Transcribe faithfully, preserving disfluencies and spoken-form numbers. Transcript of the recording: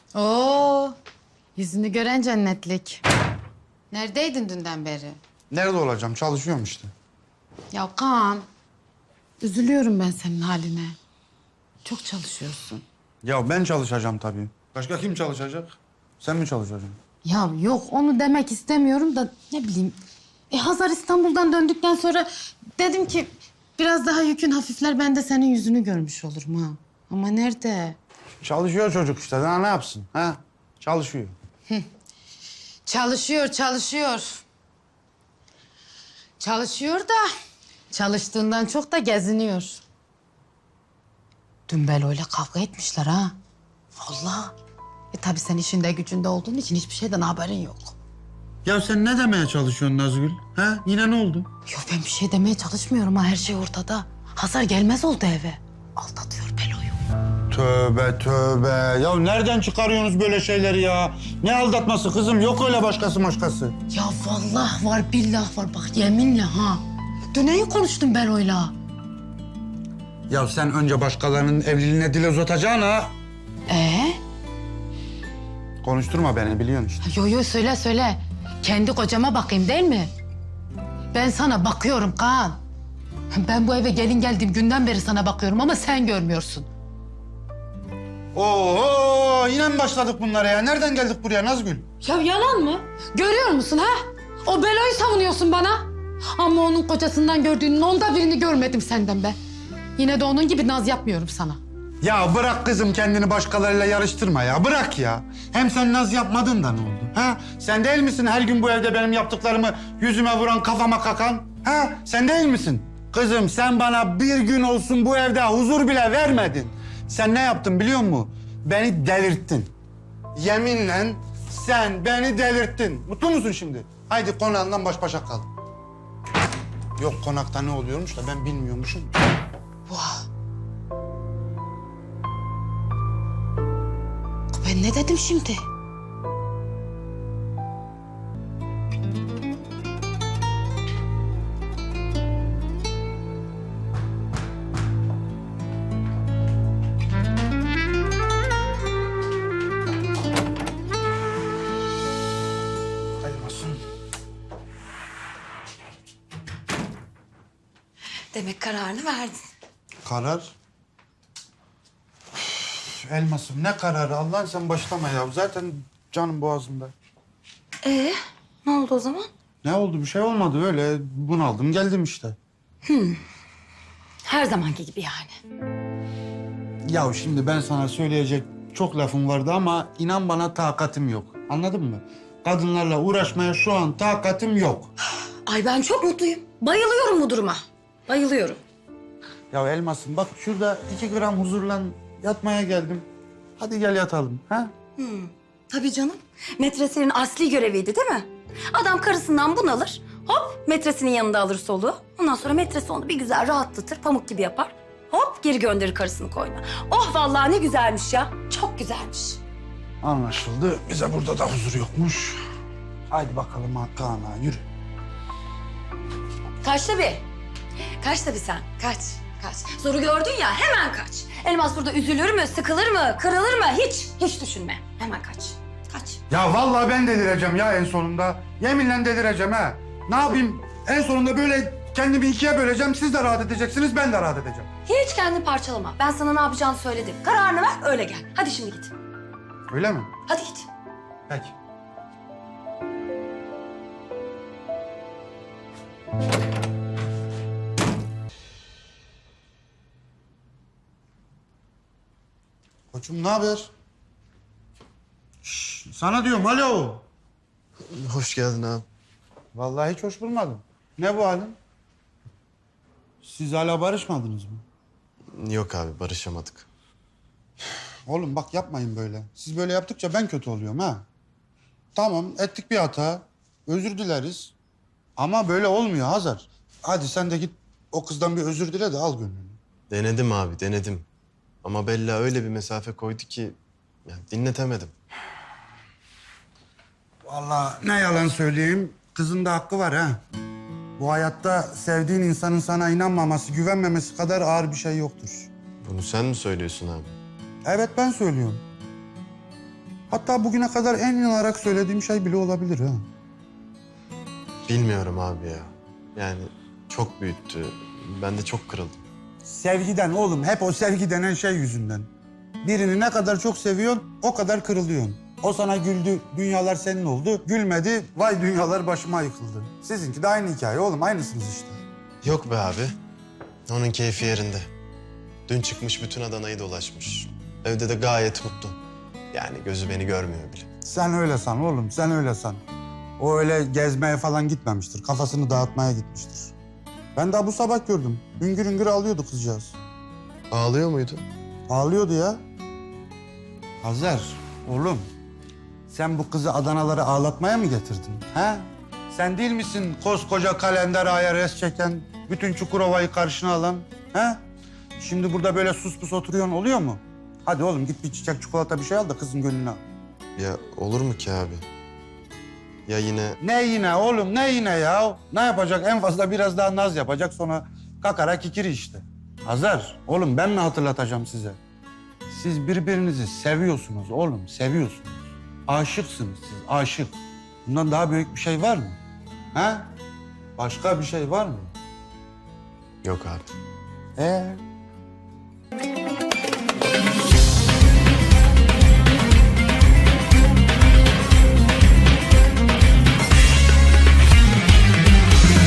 Oo, yüzünü gören cennetlik. Neredeydin dünden beri? Nerede olacağım? Çalışıyorum işte. Ya Kaan, üzülüyorum ben senin haline. Çok çalışıyorsun. Ya ben çalışacağım tabii. Başka kim çalışacak? Sen mi çalışacaksın? Ya yok, onu demek istemiyorum da ne bileyim. E, Hazar İstanbul'dan döndükten sonra dedim ki biraz daha yükün hafifler, ben de senin yüzünü görmüş olurum ha. Ama nerede? Çalışıyor çocuk işte. Daha ne yapsın? Ha? Çalışıyor. Çalışıyor, çalışıyor. Çalışıyor da çalıştığından çok da geziniyor. Dün Belo'yla kavga etmişler ha. Vallahi. E tabii sen işinde gücünde olduğun için hiçbir şeyden haberin yok. Ya sen ne demeye çalışıyorsun Nazgül? Ha? Yine ne oldu? Yok ben bir şey demeye çalışmıyorum ha, her şey ortada. Hazar gelmez oldu eve. Aldatıyor Belo'yu. Tövbe tövbe. Ya nereden çıkarıyorsunuz böyle şeyleri ya? Ne aldatması kızım? Yok öyle başkası başkası. Ya vallahi var, billah var, bak yeminle ha. Dün neyi konuştun Belo'yla? Ya sen önce başkalarının evliliğine dil uzatacaksın ha. Ee? Konuşturma beni biliyorsun işte. Yo yo söyle söyle. Kendi kocama bakayım değil mi? Ben sana bakıyorum Kaan. Ben bu eve gelin geldiğim günden beri sana bakıyorum ama sen görmüyorsun. Oo yine mi başladık bunlara ya? Nereden geldik buraya Nazgül? Ya yalan mı? Görüyor musun ha? O Belo'yu savunuyorsun bana. Ama onun kocasından gördüğünün onda birini görmedim senden be. Yine de onun gibi naz yapmıyorum sana. Ya bırak kızım kendini başkalarıyla yarıştırma ya. Bırak ya. Hem sen naz yapmadın da ne oldu? Ha? Sen değil misin her gün bu evde benim yaptıklarımı yüzüme vuran, kafama kakan? Ha? Sen değil misin? Kızım sen bana bir gün olsun bu evde huzur bile vermedin. Sen ne yaptın biliyor musun? Beni delirttin. Yeminle sen beni delirttin. Mutlu musun şimdi? Haydi konağından baş başa kal. Yok konakta ne oluyormuş da ben bilmiyormuşum. Ben ne dedim şimdi? Elmasın. Demek kararını verdin. Karar? Üf, Elmasım ne kararı? Allah'ın sen başlama ya. Zaten canım boğazımda. Ee, ne oldu o zaman? Ne oldu? Bir şey olmadı öyle. Bunaldım geldim işte. Her zamanki gibi yani. Ya şimdi ben sana söyleyecek çok lafım vardı ama inan bana takatim yok. Anladın mı? Kadınlarla uğraşmaya şu an takatim yok. Ay ben çok mutluyum. Bayılıyorum bu duruma. Bayılıyorum. Ya Elmasım bak şurada iki gram huzurla yatmaya geldim. Hadi gel yatalım. Ha? Tabii canım. Metreslerin asli göreviydi değil mi? Adam karısından bunalır. Hop metresinin yanında alır soluğu. Ondan sonra metresi onu bir güzel rahatlatır. Pamuk gibi yapar. Hop geri gönderir karısını koyuna. Oh vallahi ne güzelmiş ya. Çok güzelmiş. Anlaşıldı. Bize burada da huzur yokmuş. Haydi bakalım Hakan'a yürü. Kaç tabii. Kaç tabii sen. Kaç. Kaç. Zoru gördün ya hemen kaç. Elmas burada üzülür mü, sıkılır mı, kırılır mı? Hiç. Hiç düşünme. Hemen kaç. Kaç. Ya vallahi ben delireceğim ya en sonunda. Yeminle delireceğim ha. Ne yapayım? En sonunda böyle kendimi ikiye böleceğim. Siz de rahat edeceksiniz, ben de rahat edeceğim. Hiç kendini parçalama. Ben sana ne yapacağını söyledim. Kararını ver, öyle gel. Hadi şimdi git. Öyle mi? Hadi git. Peki. Koçum ne haber? Şş, sana diyorum alo. Hoş geldin abi. Vallahi hiç hoş bulmadım. Ne bu halin? Siz hala barışmadınız mı? Yok abi barışamadık. Oğlum bak yapmayın böyle. Siz böyle yaptıkça ben kötü oluyorum ha. Tamam ettik bir hata. Özür dileriz. Ama böyle olmuyor Hazar. Hadi sen de git o kızdan bir özür dile de al gönlünü. Denedim abi denedim. Ama Bella öyle bir mesafe koydu ki yani dinletemedim. Vallahi ne yalan söyleyeyim. Kızın da hakkı var ha. Bu hayatta sevdiğin insanın sana inanmaması, güvenmemesi kadar ağır bir şey yoktur. Bunu sen mi söylüyorsun abi? Evet ben söylüyorum. Hatta bugüne kadar en inanarak söylediğim şey bile olabilir ha. Bilmiyorum abi ya. Yani çok büyüttü. Ben de çok kırıldım. Sevgiden oğlum, hep o sevgi denen şey yüzünden. Birini ne kadar çok seviyorsun, o kadar kırılıyorsun. O sana güldü, dünyalar senin oldu. Gülmedi, vay dünyalar başıma yıkıldı. Sizinki de aynı hikaye oğlum, aynısınız işte. Yok be abi. Onun keyfi yerinde. Dün çıkmış bütün Adana'yı dolaşmış. Evde de gayet mutlu. Yani gözü beni görmüyor bile. Sen öyle san oğlum, sen öyle san. O öyle gezmeye falan gitmemiştir, kafasını dağıtmaya gitmiştir. Ben daha bu sabah gördüm. Hüngür hüngür ağlıyordu kızcağız. Ağlıyor muydu? Ağlıyordu ya. Hazar, oğlum. Sen bu kızı Adanalara ağlatmaya mı getirdin? Ha? Sen değil misin koskoca kalender aya res çeken, bütün Çukurova'yı karşına alan? Ha? Şimdi burada böyle sus pus oturuyorsun, oluyor mu? Hadi oğlum git bir çiçek, çikolata bir şey al da kızın gönlünü al. Ya olur mu ki abi? Ya yine Ne yine oğlum, ne yine ya? Ne yapacak? En fazla biraz daha naz yapacak, sonra kakara kikiri işte. Hazar, oğlum ben mi hatırlatacağım size? Siz birbirinizi seviyorsunuz oğlum, seviyorsunuz. Aşıksınız siz, aşık. Bundan daha büyük bir şey var mı? Ha? Başka bir şey var mı? yok abi. Ee,